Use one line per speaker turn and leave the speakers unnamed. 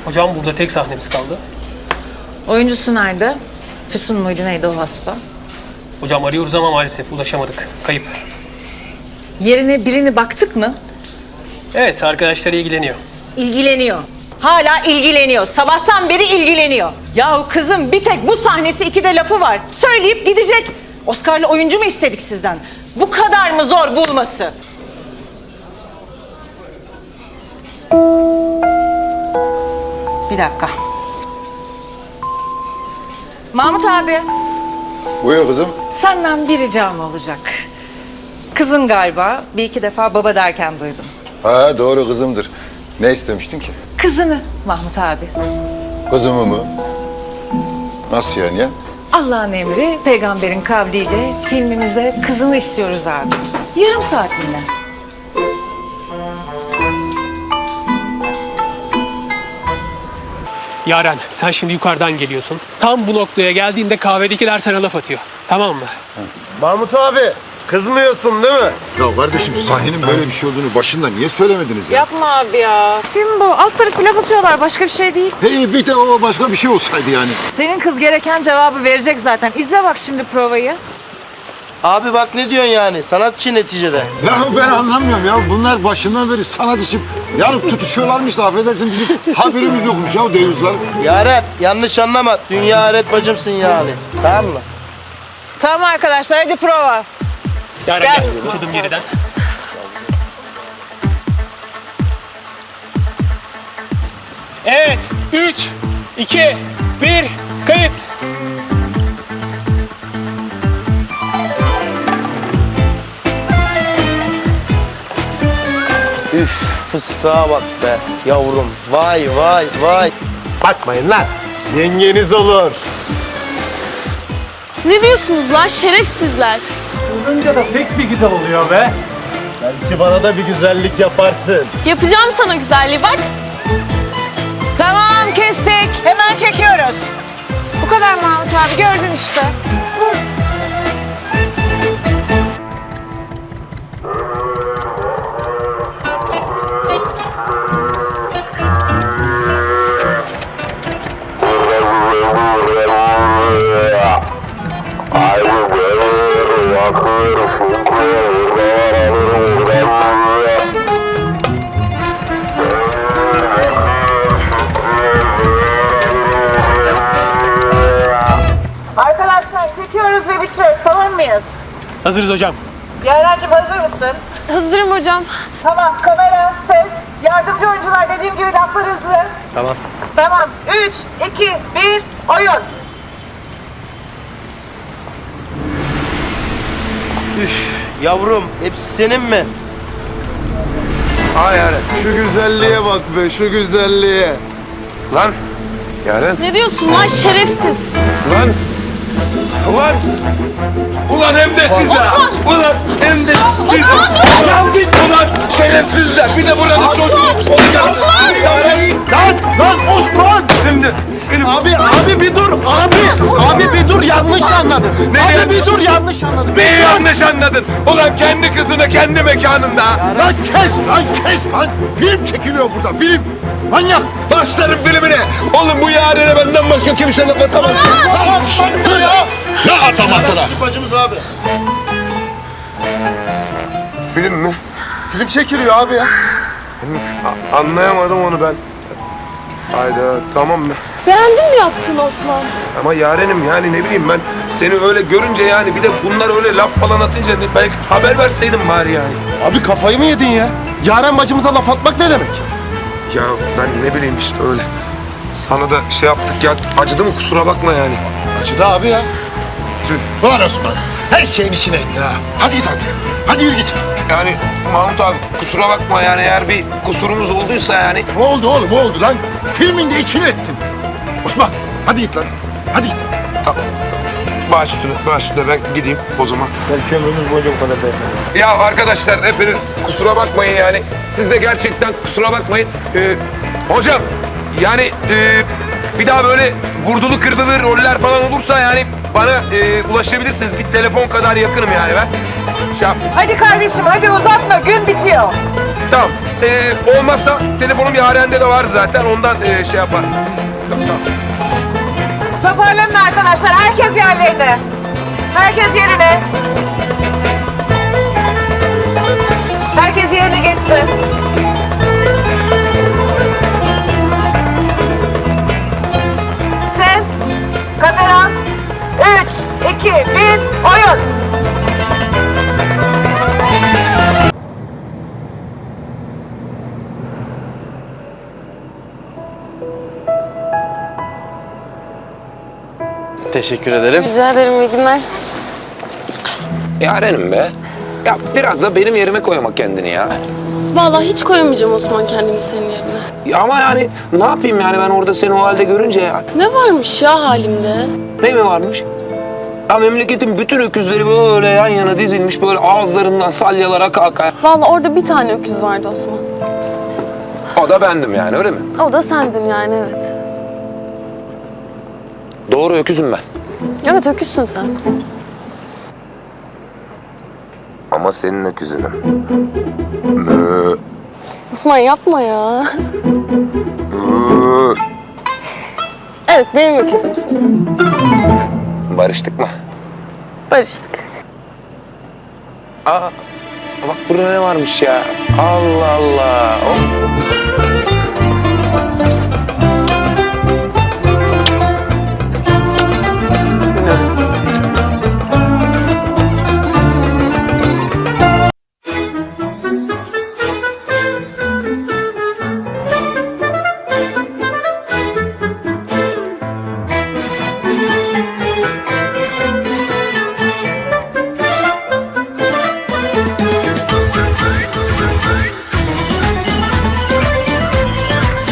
Hocam burada tek sahnemiz kaldı.
Oyuncusu nerede? Füsun muydu neydi o haspa?
Hocam arıyoruz ama maalesef ulaşamadık. Kayıp.
Yerine birini baktık mı?
Evet, arkadaşlar ilgileniyor.
İlgileniyor. Hala ilgileniyor. Sabahtan beri ilgileniyor. Yahu kızım bir tek bu sahnesi 2'de lafı var. Söyleyip gidecek. Oscar'lı oyuncu mu istedik sizden? Bu kadar mı zor bulması? Bir dakika. Mahmut abi,
Buyur kızım.
senden bir ricam olacak. Kızın galiba bir iki defa baba derken duydum.
Ha doğru kızımdır. Ne istemiştin ki?
Kızını Mahmut abi.
Kızımı mı? Nasıl yani ya?
Allah'ın emri, peygamberin kavliyle filmimize kızını istiyoruz abi. Yarım saatliğine.
Yaren, sen şimdi yukarıdan geliyorsun. Tam bu noktaya geldiğinde kahvedekiler sana laf atıyor. Tamam mı?
Mahmut abi, kızmıyorsun değil mi?
Ya kardeşim sahnenin böyle bir şey olduğunu başında niye söylemediniz ya?
Yapma abi ya. Film bu. Alt tarafı laf atıyorlar. Başka bir şey değil.
Hey bir de o başka bir şey olsaydı yani.
Senin kız gereken cevabı verecek zaten. İzle bak şimdi provayı.
Abi bak ne diyorsun yani, sanatçı neticede.
Ya ben anlamıyorum ya. Bunlar başından beri sanat için yani tutuşuyorlarmış da affedersin bizim haberimiz yokmuş ya deyuzlar.
Yaren, yanlış anlama, dünya aret bacımsın yani. Tamam mı?
Tamam arkadaşlar hadi prova.
Yaren
Gel.
gel, üç adım geriden. Evet, 3, 2, 1, kayıt.
Üf, fıstığa bak be yavrum. Vay vay vay. Bakmayın lan, yengeniz olur.
Ne diyorsunuz lan şerefsizler?
Olunca da pek bir güzel oluyor be. Belki bana da bir güzellik yaparsın.
Yapacağım sana güzelliği bak.
Tamam kestik. Hemen çekiyoruz. Bu kadar Mahmut abi gördün işte. Arkadaşlar çekiyoruz ve bitiriyoruz. Tamam mıyız?
Hazırız hocam.
Yaren'cim hazır mısın?
Hazırım hocam.
Tamam kamera, ses, yardımcı oyuncular dediğim gibi laflar hızlı.
Tamam.
Tamam 3, 2, 1, oyun.
Üf, yavrum, hepsi senin mi?
Ha Yaren, şu güzelliğe bak be, şu güzelliğe. Lan, Yaren,
Ne diyorsun lan şerefsiz?
lan. Ulan! Ulan hem de size! Ulan hem de size! Ulan şerefsizler! Bir de buranın çocuğu olacaksınız!
Lan Osman!
Şimdi benim...
Abi bir dur, abi bir dur, yanlış anladın. Abi bir dur, yanlış anladın.
Neyi yanlış anladın? Ulan kendi kızını kendi mekanında!
Lan kes lan. Film çekiliyor burada film. Manyak.
Başlarım filmine! Oğlum bu Yaren'e benden başka kimse laf atamaz!
Dur ya. Ne atamasına?
Bacımız abi.
Film mi? Film çekiliyor abi ya. Anlayamadım onu ben. Hayda tamam mı?
Beğendin mi yaptın Osman?
Ama Yarenim yani ne bileyim ben seni öyle görünce yani bir de bunlar öyle laf falan atınca belki haber verseydin bari yani.
Abi kafayı mı yedin ya? Yaren bacımıza laf atmak ne demek?
Ya ben ne bileyim işte öyle. Sana da şey yaptık ya acıdı mı kusura bakma yani.
Acıdı abi ya. Ulan Osman her şeyin içine ettin ha. Hadi git artık. Hadi yürü git.
Yani Mahmut abi kusura bakma yani eğer bir kusurumuz olduysa yani.
Ne oldu oğlum oldu lan? Filmin de içine ettin. Osman hadi git lan. Hadi git.
Baş üstüne ben gideyim o zaman.
Belki ömrümüz boyunca bu kadar dayanır.
Ya arkadaşlar hepiniz kusura bakmayın yani. Siz de gerçekten kusura bakmayın. Hocam yani bir daha böyle vurdulu kırdılı roller falan olursa yani bana ulaşabilirsiniz. Bir telefon kadar yakınım yani ben. Şey yap-
Hadi kardeşim hadi uzatma gün bitiyor.
Tamam. Olmazsa telefonum Yaren'de de var zaten. Ondan şey yapar. Tamam.
Toparlanın arkadaşlar. Herkes yerlerine. Herkes yerine. Herkes yerine geçsin. Ses, kamera, 3, 2, 1, oyun.
Teşekkür ederim.
Rica ederim, iyi günler.
Yaren'im be. Ya biraz da benim yerime koyma kendini ya.
Vallahi hiç koyamayacağım Osman kendimi senin yerine.
Ya ama yani ne yapayım yani ben orada seni o halde görünce ya.
Ne varmış ya halimde?
Ne mi varmış? Ya memleketin bütün öküzleri böyle yan yana dizilmiş böyle ağızlarından salyalar aka aka.
Vallahi orada bir tane öküz vardı Osman.
O da bendim yani öyle mi?
O da sendin yani, evet.
Doğru öküzüm ben.
Evet, öküzsün sen.
Ama senin öküzünüm. Mö.
Osman yapma ya.
Mö.
Evet, benim öküzümsün.
Barıştık mı?
Barıştık.
Aa, bak burada ne varmış ya? Allah Allah. Oh.